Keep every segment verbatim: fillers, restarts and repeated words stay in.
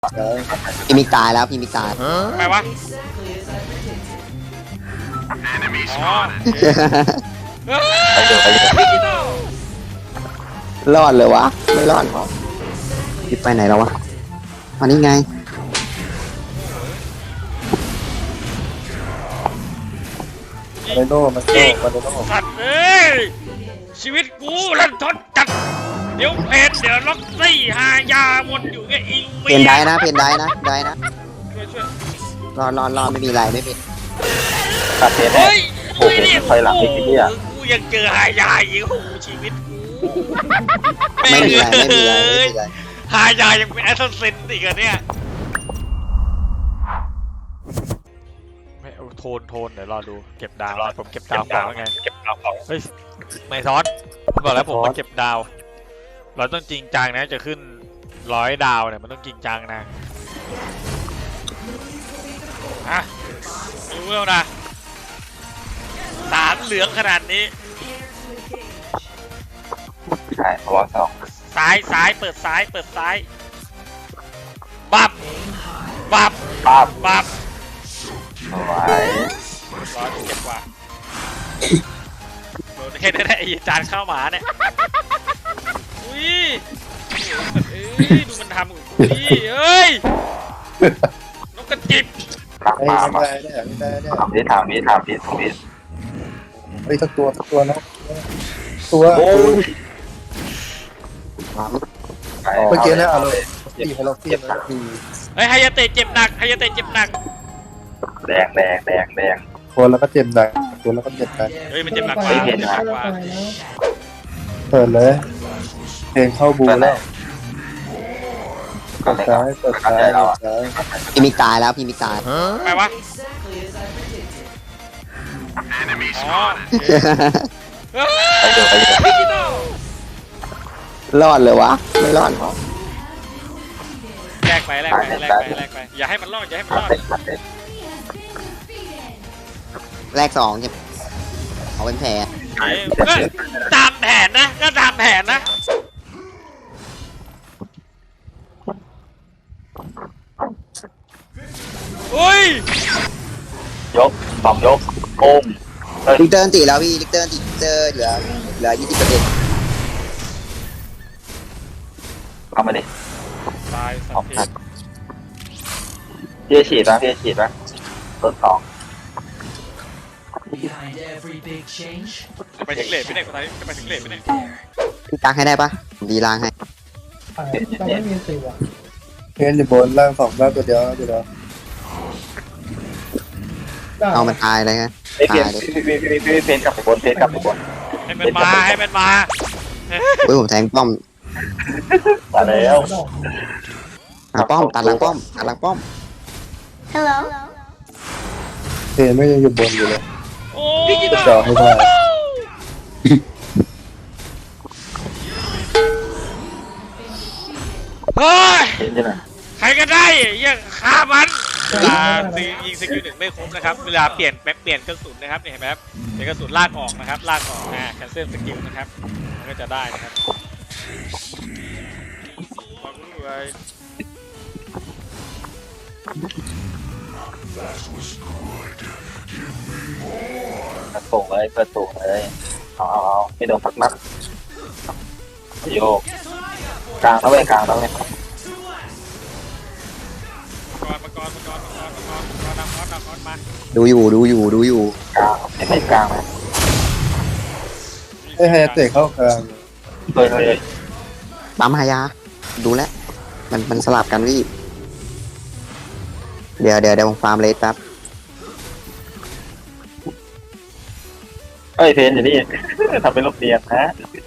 พี่มิกตายแล้วพี่มิกตายทำไมวะอ๋อเฮ้ยรอดเลยวะไม่รอดหรอพี่ไปไหนแล้ววะมานี่ไงมาเลโน่มาโน่มาเลโน่สัตว์เอ้ยชีวิตกูรันทดจัดเดี๋ยวเพนเดี๋ยวล็อกซี่หายาวนอยู่ไงอิงเพนได้นะเพนได้นะได้นะช่วยช่วยรอดรอดรอดไม่มีไรไม่มีตัดเทนแน่เฮ้ยโอ้โหถอยหลังอีกทีอ่ะกูยังเจอหายาอีกโอ้โหชีวิตกูไม่มีไรไม่มีไรไม่มีไรหายายังเป็นแอสซัสซินอีกอะเนี่ยไม่เอาโทนโทนเดี๋ยวรอดูเก็บดาวผมเก็บดาวก่อนว่าไงเก็บดาวก่อนเฮ้ยไม่ซ้อนผมบอกแล้วผมมาเก็บดาวเราต้องจริงจังนะจะขึ้นร้อยดาวเนี่ยมันต้องจริงจังนะอ่ะรู้แล้วนะสามเหลืองขนาดนี้ใช่เพราะว่าสองซ้ายซ้ายเปิดซ้ายเปิดซ้ายบับบับปั๊บบับสวยร้อยเก็บกว่าโดนแค่นั้นแหละไอ้จานข้าวหมาเนี่ยอุ้ยเอ้ยดูมันทำกับกูดิเฮ้ยนกกระจิบหลังไอ้มาไม่มาได้เนี่ยไม่ได้เนี่ยถามนี้ถามนี้ถามนี้ถามนี้ไอ้ยสักตัวสักตัวนะตัวโอ้ยเมื่อกี้นะเอาเลยตีให้เราเทียบนะคือเฮ้ยไฮยาเตะเจ็บหนักไฮยาเตะเจ็บหนักแดงแดงแดงแดงตัวแล้วก็เจ็บหนักตัวแล้วก็เจ็บกันเฮ้ยมันเจ็บหนักกว่าไม่เห็เจ็นบนะหนักกว่าเปิดเลยเพลงเข้าบูแล้วก็เปิดเลยซ้ายเปิดซ้ายเปิดซ้ายพี่มิกตายแล้วพี่มิกตายทำไมวะอ๋อเฮ้ยไปดูไปดูรอดเลยวะไม่รอดหรอแลกไปแลกไปแลกไปแลกไปอย่าให้มันรอดอย่าให้มันรอดแรกสองใช่เอาเป็นแผลเอ้ยก็ตามแผนนะก็ตามแผนนะอุ้ยยกสองยกโอ้มเฮ้ยลิกเตอร์ตีแล้วพี่ลิกเตอร์ตีลิกเตอร์เหลือเหลือยี่สิบเปอร์เซ็นต์เอามาดิตายสัออกกทีทันพี่ฉีดป่ะพี่ฉีดป่ะต้นสอง Behind every big change, จะไปถึงเลทไม่ได้คนไทยจะไปถึงเลทไม่ได้พี่ตักให้ได้ปะผมดีล้างให้เราไม่มีสิวะเพลงอยู่บนล่างสองล่างตัวเดียวตัวเดียวเอามันตายเลยฮะไอ้เพนพี่พี่พี่พี่เพนกลับไปบนเพนกลับไปบนให้มันมาให้มันมาเฮ้ยผมแทงป้อมมาแล้วหาป้อมตัดหลังป้อมตัดหลังป้อม Hello. เพลงไม่ยังอยู่บนอยู่เลยโอ้จะจ่อให้ได้เฮ้ยเห็นใช่ไหมใครก็ได้ยังฆ่ามันเวลายิงสกิลหนึ่งไม่ครบนะครับเวลาเปลี่ยนแป๊บเปลี่ยนกระสุนนะครับนี่เห็นไหมครับเปลี่ยนกระสุนลากออกนะครับลากออกอ่าแคนเซิลสกิลนะครับมันก็จะได้นะครับความรู้ไว้กระตุกเลยกระตุกเลยเอาเอาเอาไม่โดนสักนัดโยกกลางแล้วเว้ยกลางแล้วเว้ยมังกรมังกรมังกรมังกรมังกรมังกรมังกรมังกรมาดูอยู่ดูอยู่ดูอยู่กลางไม่ไม่กลางไหมไอ้ไฮเตะเข้ากลางเฮ้ยเฮ้ยปั๊มหายาดูแลวมันมันสลับกันพี่เดี๋ยวเดี๋ยวเดี๋ยวผมฟาร์มเลสแป๊บเฮ้ยเพนอยู่นี่ทำเป็นลูกเรียนนะ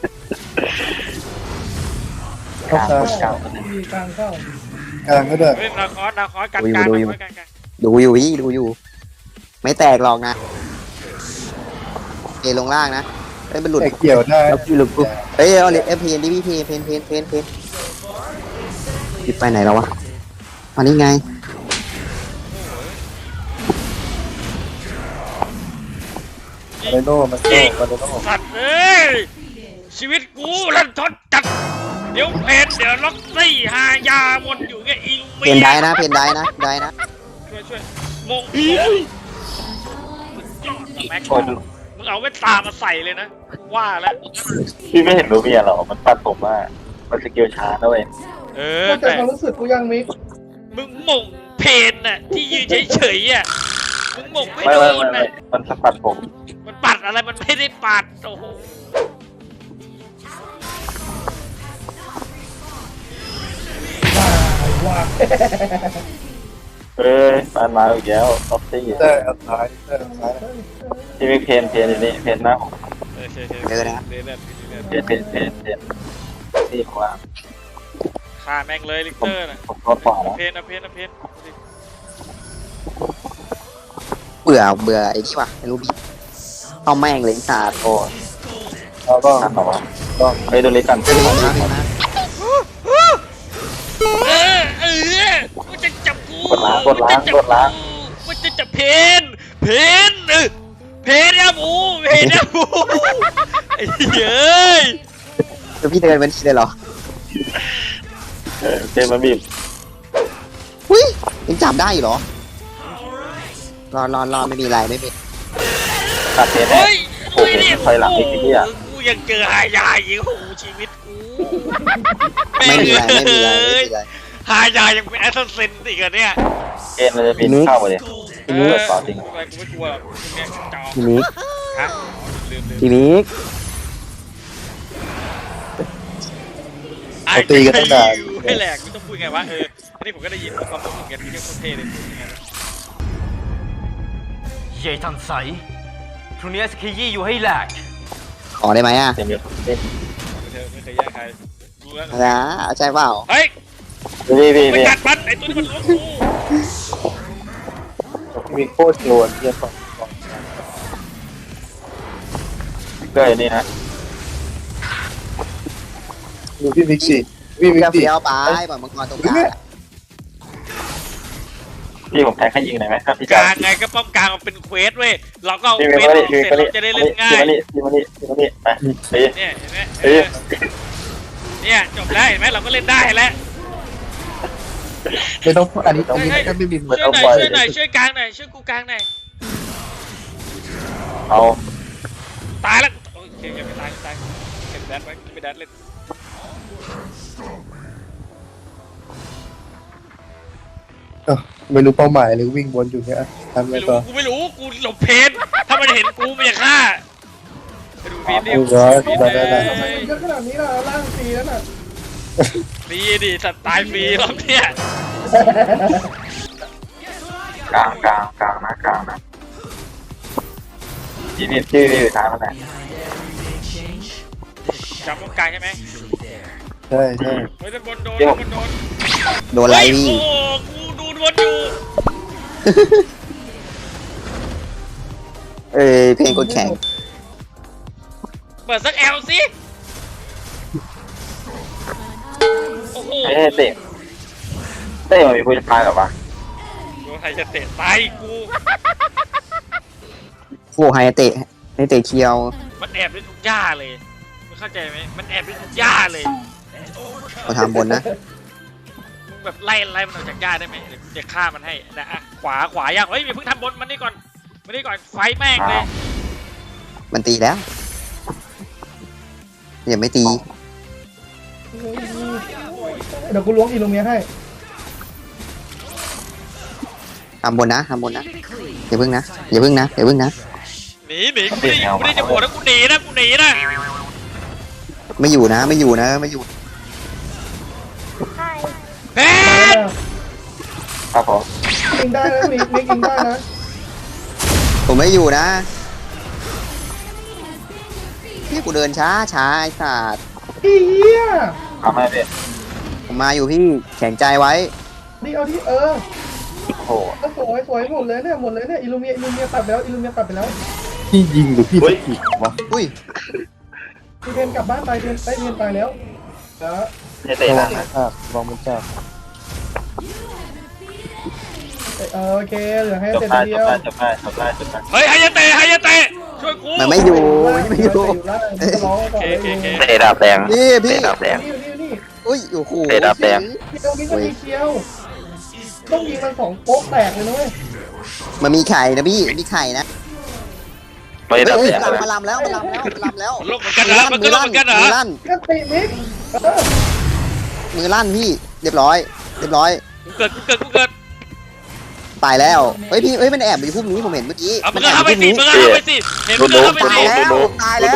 เข้ากลางกลางกลางก็ได้เฮ้ยนาคอสนาคอสกันกลางนาคอสกันกลางดูอยู่พี่ดูอยู่ ไม่แตกหรอกนะเอลงล่างนะเอ้ยมันหลุดแต่เกี่ยวได้แล้วหลุดปุ๊บเอ้ยเอาเลยเอ้ยเพนดิพี่เพนเพนเพนเพนเพนหยิบไปไหนแล้ววะมานี่ไงมาเลโน่มาโน่มาเลโน่สัตว์เอ้ยชีวิตกูรันทดจัดเดี๋ยวเพนเดี๋ยวล็อกซี่หายาวนอยู่ไงอิงเพนได้นะเพนได้นะได้นะช่วยช่วยมงแม็กโอ้ยมึงเอาแว่นตามาใส่เลยนะว่าแล้วพี่ไม่เห็นรูเมียหรอมันปัดผมว่ามันสกิลช้านะเว้ยเออเข้าใจแต่ความรู้สึกกูยังมิกมึงมงเพนน่ะที่ยืนเฉยๆอ่ะมึงมงไม่ไม่โดไม่นไม่ไม่น่ะมันสปัดผมมันปัดอะไรมันไม่ได้ปัดโอ้โหว้าเอ้ยมันมาอีกแล้วท็อปซี่เตอร์เอาซ้ายเตอร์เอาซ้ายที่มีเพนเพนอยู่นี่เพนหน้าผมเออเฉยๆเรื่อยๆเรื่อยๆเพนเพนเพนเพนที่ขวาฆ่าแม่งเลยลิกผมเตอร์น่ะผมก็ขวาแล้วเพนนะเพนนะเพนเบื่อเบื่อไอ้ที่วะไอ้รูบี้เอาแม่งเลยสาดโอ้เราก็ทันหรอวะต้องเฮ้ยดูลิกันเพนนะเพนนะเออเออมันจะจับกูกดล้างกดล้างกดล้างมันจะจับเพนเพนเออเพนนะหมูเพนนะหมูไอ้เฮ้ยคือพี่เดินเป็นทีเลยเหรอเออเพนมาบีบอุ้ยยังจับได้อยู่เหรอรอรอรอไม่มีอะไรไม่มีตัดเพนแน่เฮ้ยโอ้โหถอยหลังอีกทีอ่ะกูยังเจอหายาอีกโอ้โหชีวิตกูไม่มีอะไรไม่มีอะไรไม่มีอะไรหายายังเป็นแอสซัสซินอีกอะเนี่ยเพนมันจะบินเข้ามาเลยเอเปิอดต่อจริงกูไม่กลัวหรอกเนี่ยจอพี่มิกฮะลืมลืมพี่มิกเขาตีกันตั้งนานให้แหลกไม่ต้องพูดไงวะเอออันนี้ผมก็ได้ยินความรู้สึกกันที่เรียกโคตรเท่เลยยังไงวะเย่ทันใสพรุ่งนี้สกียี่อยู่ให้แหลกขอได้ไหมอ่ะเต็มอยู่เต็มไม่เคยไม่เคยแย่งใครรู้แล้วนะเอาใจเปล่าเฮ้ยพี่พี่ไปพี่กัดมันไอ้ตัวนี้มันล้วงกูมีโคตรโยนเยี่ยมเกยนี่นะดูพี่มิกสิพี่มิกกาสิเฟียวไปปล่อยมังกรตรงกลางอะพี่ผมแทงให้ยิงหน่อยไหมครับพี่กจ๋าลางไงก็ป้อมกลางมันเป็นเควสเว้ยเราก็เอาพี่เควสมาอดิอกพี่เสร็จมาดิเราจะได้เล่นง่ายพี่มาดิพี่มาดิพี่มาดิไปตีเนี่ยเห็นไหมเอตีอเนี่ยจบแล้วเห็นไหมเราก็เล่นได้แล้วไม่ต้องอันนี้ต้องมีแค่ไม่บินช่วยหน่อยช่วยหน่อยช่วยกลางหน่อยช่วยกูกลางหน่อยเอาตายแล้วโอเคยังไม่ตายยังไม่ตายเก็บแดดไว้ไม่แดดเล่นไม่รู้เป้าหมายเลยวิ่งวนอยู่เนี่ยทำไงไม่ต่รู้อกูไม่รู้กูหลบเพนถ้ามันเห็นกูมันจะฆ่าไปดูพีนดิดูร้อยพีนได้ได้ได้เออเยอะขนาดนี้ล่ะร่างฟรีแล้วน่ะฟรีดิสัตว์ตายฟรีรอบเนี้ยกลางกลางกลางนะกลางนะพี่พี่พี่พี่ทางมันไหนจับตรงกลางใช่ไหมใช่ใช่เฮ้ยด้านบนโดนด้านบนโดนโดนอะไรเฮ้ยพี่โอ้โหกูดูดวนอยู่เอ้ยเพลงกดแข่งเปิดสักแอลสิโอ้โหเฮ้ยเตะเตะมันมีผู้ชายหรอวะโดนใครจะเตะตายกูโอ้ไฮเตะไฮเตะเคียวมันแอบได้ทุกหญ้าเลยมึงเข้าใจไหมมันแอบได้ทุกหญ้าเลยเขาทำบนนะมึงแบบไล่ไล่มันออกจากหญ้าได้ไหมเดี๋ยวกูจะฆ่ามันให้นะอ่ะขวาขวายังเฮ้ยอย่าเพิ่งทำบนมันนี่ก่อนมันนี่ก่อนไฟแม่งเลยมันตีแล้วยังไม่ตีเดี๋ยวกูล้วงอีลูเมียให้ทำบนนะทำบนนะอย่าพึ่งนะอย่าพึ่งนะอย่าพึ่งนะหนีหนีกูไม่ได้กูไม่ได้จะโหวตนะกูหนีนะกูหนีนะไม่อยู่นะไม่อยู่นะไม่อยู่เฮ้ครับผมยิงได้นะมิกมิกยิงได้นะผมไม่อยู่นะพี่กูเดินช้าช้าไอ้สัตว์อีเหี้ยทำให้เป็นผมมาอยู่พี่แข็งใจไว้นี่เอาที่เออโอ้โหก็สวยสวยหมดเลยเนี่ยหมดเลยเนี่ยอิลูเมียอิลูเมียตัดไปแล้วอิลูเมียตัดไปแล้วพี่ยิงหรือพี่สกิดวะอุ้ยพี่เทนกลับบ้านไปเทนไปเทนตายแล้วแล้วเตะระวันะงมันจับระวังมันจับเออโอเคเหลือให้จบเสร็จได้เดีจยวบได้จบได้จบได้จบได้เฮ้ยไฮยาเตะไฮยาเตะช่วยกูมันไม่อยู่มันไม่อยู่ล่างจะร้องก่อนเลยเตะดาบแดงนี่พี่เตะดาบแดงนี่นี่นี่อุ้ยโอ้โหเตะดาบแดงเคียวนี่ก็มีเคียวต้องยิงมันสองโป๊กแตกเลยนะเว้ยมันมีไข่นะพี่มีไข่นะไม่เฮ้ยดับเฮ้ยแตกกลับนะมาลำแล้วมาลำแล้วมาลำแล้วมันลงเหมือนกันเหรอมันก็ลงเหมือนกันเหรอมือลั่นก็ติมิกเออมือลั่นพี่เรียบร้อยเรียบร้อยกูเกิดกูเกิดกูเกิดตายแล้วเฮ้ยพี่เฮ้ยมันแอบอยู่พุ่มนี้ผมเห็นเมื่อกี้เอามึมังนแอก็บอเข้ายู่ไปพุ่มสินี้มึงก็เข้าไปสิเห็นมึงก็เข้าไปตาสิยแล้วตายแล้ว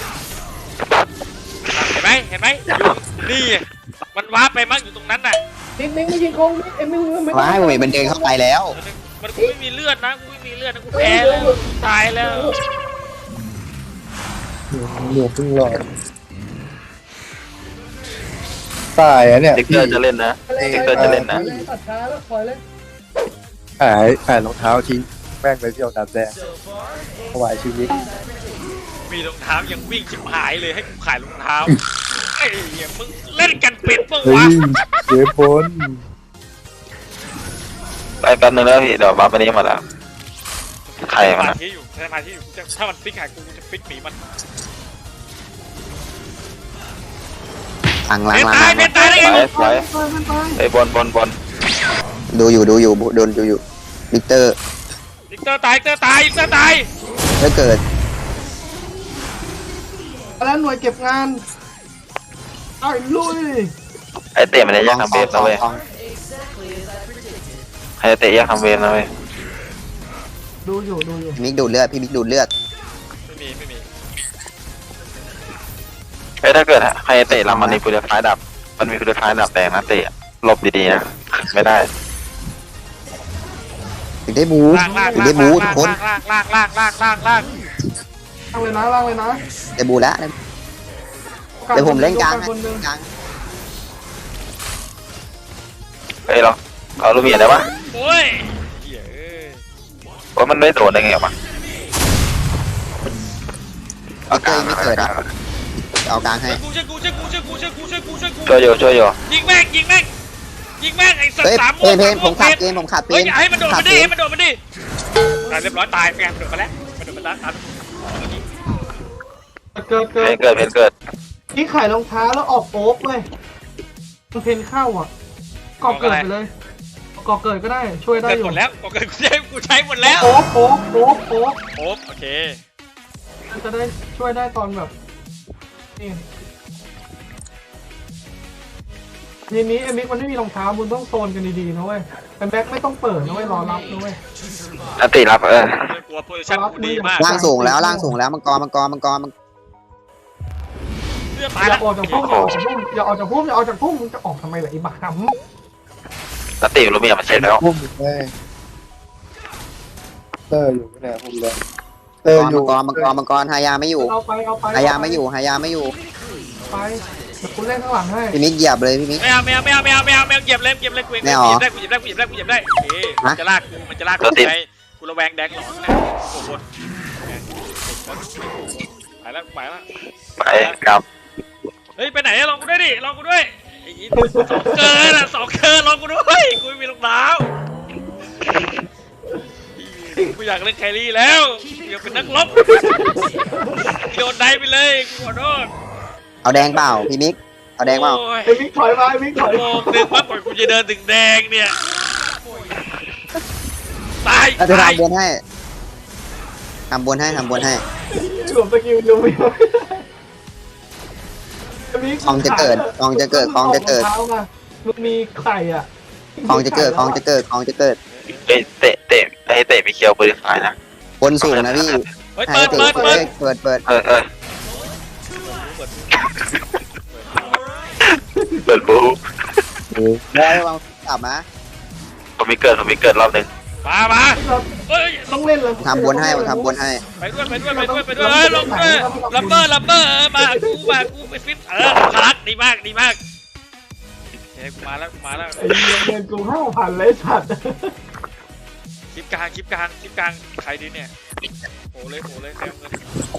เห็นไหมเห็นไหมนี่มันว้าไปมั้งอยู่ตรงนั้นน่ะนิดนึงไม่ยิงคงเอ็มไม่ไม่ว้ายผมเห็นมันเดินเข้าไปแล้วมันกูไม่มีเลือดนะกูไม่มีเลือดนะกูแพ้แล้วตายแล้วเหลือเพิ่งหลอดตายอ่ะเนี่ยเด็กเกอร์จะเล่นนะเด็กเกอร์จะเล่นนะตัดช้าแล้วปล่อยเลยหายหายรองเท้าทิ้งแม่งไปเที่ยวน้ำแดงถวายชีวิตมีรองเท้ายังวิ่งชิบหายเลยให้กูขายรองเท้าไอ้เหี้ยมึงเล่นกันเป็นปะเฮ้วะยเสียบนไปแป๊บนึงแล้วพี่เดี๋ยวบัฟอันนี้มาแล้วใครสมันมาอะธิอยู่สมาธิอยู่กูจะถ้ามันฟิกหายกูกูจะฟิกหนีมันหลังหลังเป็นหลังตายหลัเป็นงตายได้ไงไปมึงไปไอ้บอลบอลบอลดูอยู่ดูอยู่โดนดูอยู่วิกเตอร์ลิกเตอร์ตายลิกเตอร์ตายลิกเตอร์ตายถ้าเกิดแล้วหน่วยเก็บงานเอาลุยไอ้เตะมันจะแยกทำเวฟนะเว้ยไอ้เตะแยกทำเวฟนะเว้ยดูอยู่ดูอยู่พี่มิกดูดเลือดพี่มิกดูดเลือดไม่มีไม่มีไอ้ถ้าเกิดใครเตะลำมันมีพุทธท้ายดับมันมีพุทธท้ายดับแดงนะเตะหลบดีๆนะไม่ได้ถึงได้บูล่างล่างถึงล่าได้งบูล่างทุกคนล่างล่างล่างล่างล่างล่างล่างเลยนะล่างเลยนะได้บูแล้วเดี๋ยวผมเล่นกลางนะคนหนึ่งกลางเฮ้ยเราเอาลูกเมียได้ปะโอ้ยเหี้ยเอ้ยว่ามันไม่โดนได้ไงวะวิกเตอร์ยังไม่เกิดอ่ะเอากลางให้กูช่วยกูช่วยกูช่วยกูช่วยกูช่วยกูช่วยกูช่วยอยู่ช่วยอยู่ยิงแม่งยิงแม่งยิงแม่งไอ้สัตเฮ้ยว์สามเพนเพนผมขัดเพนผมขัดเพเฮ้ยนอย่าให้มันโดดขัมาดิเพให้นมันโดดมาดิตายเรียบร้อยตายแม่งมันโดดมาแล้วมันโดดมาแล้วตามเกิดเพเกิดนเกิดเพนเกิดนี่ขายรองเท้าแล้วออกโป๊กเลยมันเพนเข้าอ่ะกอกเกิดไปเลยกอกเกิดก็ได้ช่วยได้เกิดอยู่หมดแล้วกูเกิดกูใช้กูใช้หมดแล้วโป๊กโป๊กโป๊กโป๊กโอ้โอเคมันจะได้ช่วยได้ตอนแบบนี่ทีนี้ไอ้มิกมันไม่มีรองเท้ามึงต้องโซนกันดีๆนะเว้ยแต่แบ็คไม่ต้องเปิดนะเว้ยรอรับนะเว้ยอันติรับเออกลัวโพซิชั่นกูดีมากล่างสูงแล้วล่างสูงแล้วมังกรมังกรมังกรมังเลือดอตายย่าแล้วออกจากพุ่มอย่าออกจากพุ่มอย่าออกจากพุ่มอย่าออกจากพุ่มมึงจะออกทำไมล่ะไอ้บ้าหอันติลูกเมียมันเสร็จแล้วพุ่มแม่งเตอร์อยู่เนี่ยพุ่มเลยเตอร์อยู่มังกรมังกรมังกรหายาไม่อยู่ำเอาไปเอาไปหายาไม่อยู่หายาไม่อยู่ไปเดี๋ยวคุณเล่นข้างหลังให้พี่มิกเหยียบเลยพี่มิกไม่เอาไม่เอาไม่เอาไม่เอาไม่เอาไม่เอาเหยียบเลยเหยียบเลยกูเองไม่เอาเหยียบได้กูเหยียบได้กูเหยียบได้กูเหยียบได้เอ๊ะมันจะลากกูมันจะลากกูไงกูระแวงแดงหลอนนะโอ้โหไปแล้วไปแล้วไปกลับเฮ้ยไปไหนลองกูด้วยดิลองกูด้วยไอ้ยี่สองเกินอ่ะสองเกินลองกูด้วยกูไม่มีรองเท้ากูอยากเล่นแครี่แล้วกูอยากเป็นนักรบโดนได้ไปเลยกูขอโทษเอาแดงเปล่าพี่มิกเอาแดงเปล่าโอ้ยไอ้มิกถอยมาไอ้มิกถอยโมงหนึ่งปั๊บก่อนกูจะเดินถึงแดงเนี่ยตายเราจะตายทำบนให้ทำบนให้ทำบนให้หลบสกิลดูไม่ได้ไอ้มิกคลองจะเกิดคลองจะเกิดคลองจะเกิดมึงมีไข่อ่ะคลองจะเกิดคลองจะเกิดคลองจะเกิดเอ้ยเตะเตะไอ้เตะมีเคียวปืนขายนะบนสูงนะพี่เฮ้ยให้เปิดเปิเปิดดเปิเปิดดเปิดเปิดเออเออเปิดบูได้วางกลับมาผมมีเกิดผมมีเกิดรอบหนึ่งมามาเฮ้ยต้องเล่นเลยทำบนให้ผมทำบนให้ไปด้วยไปด้วยไปด้วยไปด้วยเฮ้ยลงด้วยลัมเบอร์ลัมเบอร์มากูมากูไปฟิตเออพักดีมากดีมากเฮ้ยกูมาแล้วกูมาแล้วไอ้เงินเงินกูห้าพันเลยสัตว์คลิปกลางคลิปกลางคลิปกลางใครดีเนี่ยโหเลยโหเลยแซมเลย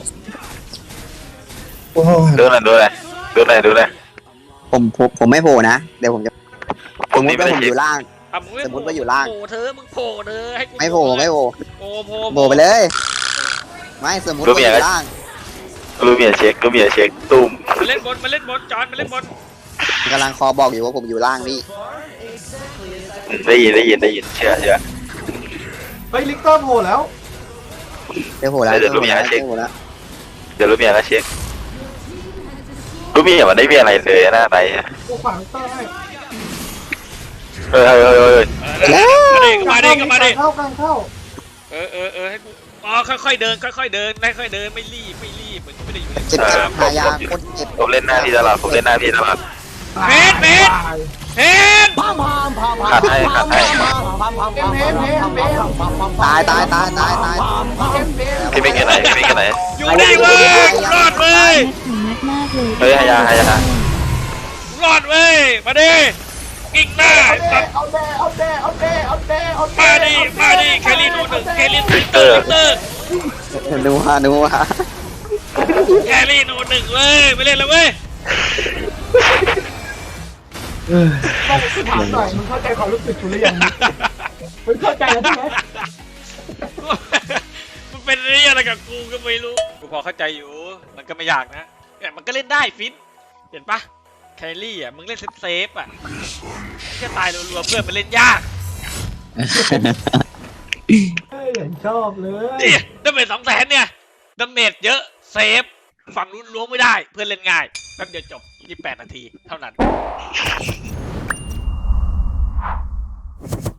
โอ้ยดูหน่อยดูหน่อยดูหน่อยดูหน่อยผมผมผมไม่โผล่นะเดี๋ยวผมจะผสมมมนี่ติไม่ว่าได้ผมอคิดยู่ล่างอ่ะมึงไม่สมมุติว่าอยู่ล่างโผล่เธอมึงโผล่เธอให้กูไม่โผล่ไม่โผล่โผล่โผล่โผล่ไปเลย ไม่สมมติว่าอยู่ล่างลูกเมียเช็คลูกเมียเช็คตุ้มมาเล่นบนมาเล่นบนจอนมาเล่นบนกำลังคอบอกอยู่ว่าผมอยู่ล่างพี่ได้ยินได้ยินได้ยินเชื่อเชื่อเฮ้ยลิกเตอร์โผล่แล้วเดี๋ยวโหแล้วเดี๋เดี๋ยยว วรู้โหมีแล้วอะไรเช็เดี๋คยวโหแล้วเดี๋ยวรู้มีอะไรเช็ครู้มีอย่างมันได้มีอะไรเลยหน้าไหนกูขวางลิกเตอร์ให้เออเออเออมาดิก็มาดิก็มาดิเข้ากลางเข้าเออเออเออให้กูอ๋อค่อยๆเดินค่อยๆเดินค่อยๆเดินไม่รีบไม่รีบเหมือนไม่ได้อยู่ในเจ็บสนามหายาคนเจ็บผมเล่นหน้าพี่ตลอดผมเล่นหน้าพี่ตลอดเบสเบสเห็นขาดให้ขาดให้เบสเบสเบสตายตายตายตายตายพี่ไม่เกินไหนพี่ไม่เกินไหนอยู่นี่เว้ยกูรอดเว้ยเฮ้ยฮายาฮายากูรอดเว้ยมาดิกิ่งหน้าสัตว์เอาแน่เอาแน่เอาแน่เอาแน่เอาแน่มาดิมาดิแคลรี่โนหนึ่งแคลรี่ลิเตอร์ลิเตอร์ดูฮะดูฮะแคลรี่โนหนึ่งเว้ยไม่เล่นแล้วเว้ยต้องถามหน่อยมึงเข้าใจความรู้สึกกูหรือยังมึงเข้าใจแล้วใช่ไหมมันเป็นเรื่องอะไรกับกูก็ไม่รู้กูพอเข้าใจอยู่มันก็ไม่ยากนะแต่มันก็เล่นได้ฟินเห็นปะแคลรี่อ่ะมึงเล่นเซฟเซฟอ่ะแค่ตายรัวๆเพื่อนมันเล่นยากเฮ้ยอย่างชอบเลยนี่ดาเมจสองแสนเนี่ยดาเมจเยอะเซฟฝั่งนู้นล้วงไม่ได้เพื่อนเล่นง่ายแป๊บเดียวจบยี่สิบแปดนาทีเท่านั้น